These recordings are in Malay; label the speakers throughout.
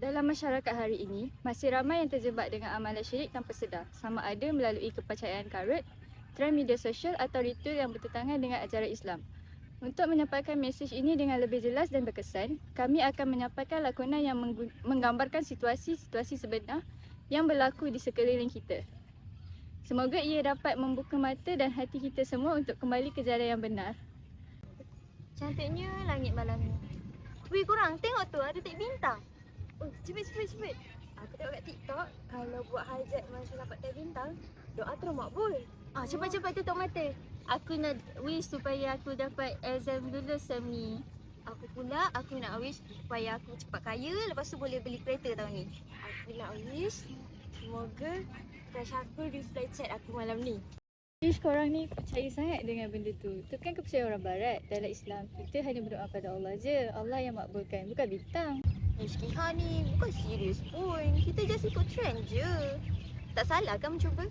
Speaker 1: Dalam masyarakat hari ini, masih ramai yang terjebak dengan amalan syirik tanpa sedar, sama ada melalui kepercayaan karut, trend media sosial atau ritual yang bertentangan dengan ajaran Islam. Untuk menyampaikan mesej ini dengan lebih jelas dan berkesan, kami akan menyampaikan lakonan yang menggambarkan situasi-situasi sebenar yang berlaku di sekeliling kita. Semoga ia dapat membuka mata dan hati kita semua untuk kembali ke jalan yang benar.
Speaker 2: Cantiknya langit malam ni. Weh korang tengok tu ada tik bintang. Oh cepet. Aku tengok kat TikTok kalau buat hajat masa dapat tik bintang, doa terus makbul. Cepat tutup mata. Aku nak wish supaya aku dapat exam lulus sem ni. Aku nak wish supaya aku cepat kaya, lepas tu boleh beli kereta tahun ni. Aku nak wish semoga crush aku reply chat aku malam ni.
Speaker 1: Ish, korang ni percaya sangat dengan benda tu. Tu kan kepercayaan orang barat. Dalam Islam, kita hanya berdoa pada Allah je. Allah yang makbulkan, bukan bintang.
Speaker 2: Ishkiha ni bukan serius pun. Kita just ikut trend je. Tak salah kan mencuba?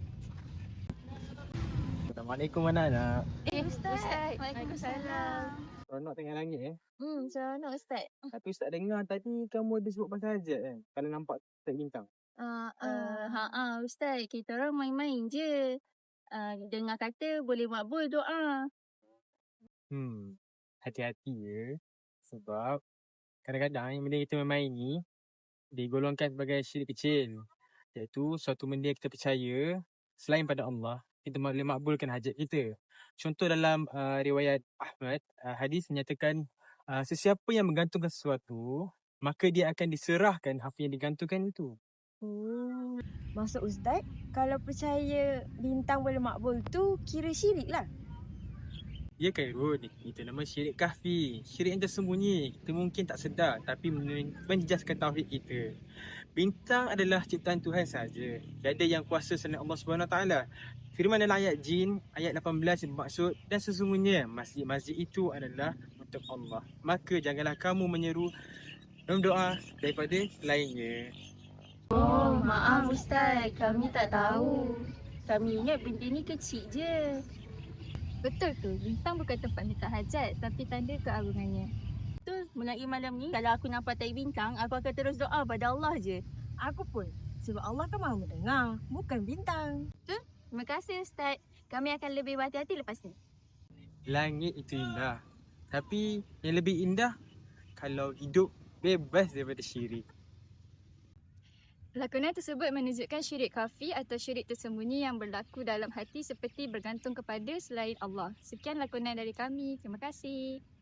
Speaker 3: Assalamualaikum anak-anak.
Speaker 2: Ustaz. Waalaikumsalam.
Speaker 3: Seronok tengok langit
Speaker 2: Seronok Ustaz.
Speaker 3: Tapi Ustaz dengar tadi kamu ada sebut pasal hajat kan? Kalau nampak tak bintang.
Speaker 2: Ustaz, kita orang main-main je. Dengar kata boleh makbul doa.
Speaker 3: Hati-hati ya. Sebab kadang-kadang yang benda kita main-main ni digolongkan sebagai syirik kecil. Iaitu suatu benda yang kita percaya selain pada Allah, kita boleh makbulkan hajat kita. Contoh dalam riwayat Ahmad, hadis menyatakan sesiapa yang menggantungkan sesuatu, maka dia akan diserahkan apa yang digantungkan itu.
Speaker 4: Maksud Ustaz, kalau percaya bintang boleh makbul tu kira syirik lah.
Speaker 3: Ya Khairul, itu nama syirik kahfi. Syirik yang tersembunyi. Kita mungkin tak sedar tapi menjejaskan tauhid kita. Bintang adalah ciptaan Tuhan saja. Tiada yang kuasa selain Allah SWT. Firman dalam ayat Jin, ayat 18 bermaksud, dan sesungguhnya masjid-masjid itu adalah untuk Allah. Maka janganlah kamu menyeru dalam doa daripada lainnya.
Speaker 2: Maaf Ustaz, kami tak tahu. Kami ingat benda ni kecil je.
Speaker 1: Betul tu, bintang bukan tempat minta hajat, tapi tanda keagungannya.
Speaker 2: Betul, mulai malam ni kalau aku nampak tai bintang, aku akan terus doa pada Allah je.
Speaker 4: Aku pun. Sebab Allah kan maha mendengar, bukan bintang.
Speaker 2: Terima kasih Ustaz. Kami akan lebih berhati-hati lepas ni.
Speaker 3: Langit itu indah. Tapi yang lebih indah kalau hidup bebas daripada syirik.
Speaker 1: Lakonan tersebut menunjukkan syirik khafi atau syirik tersembunyi yang berlaku dalam hati seperti bergantung kepada selain Allah. Sekian lakonan dari kami. Terima kasih.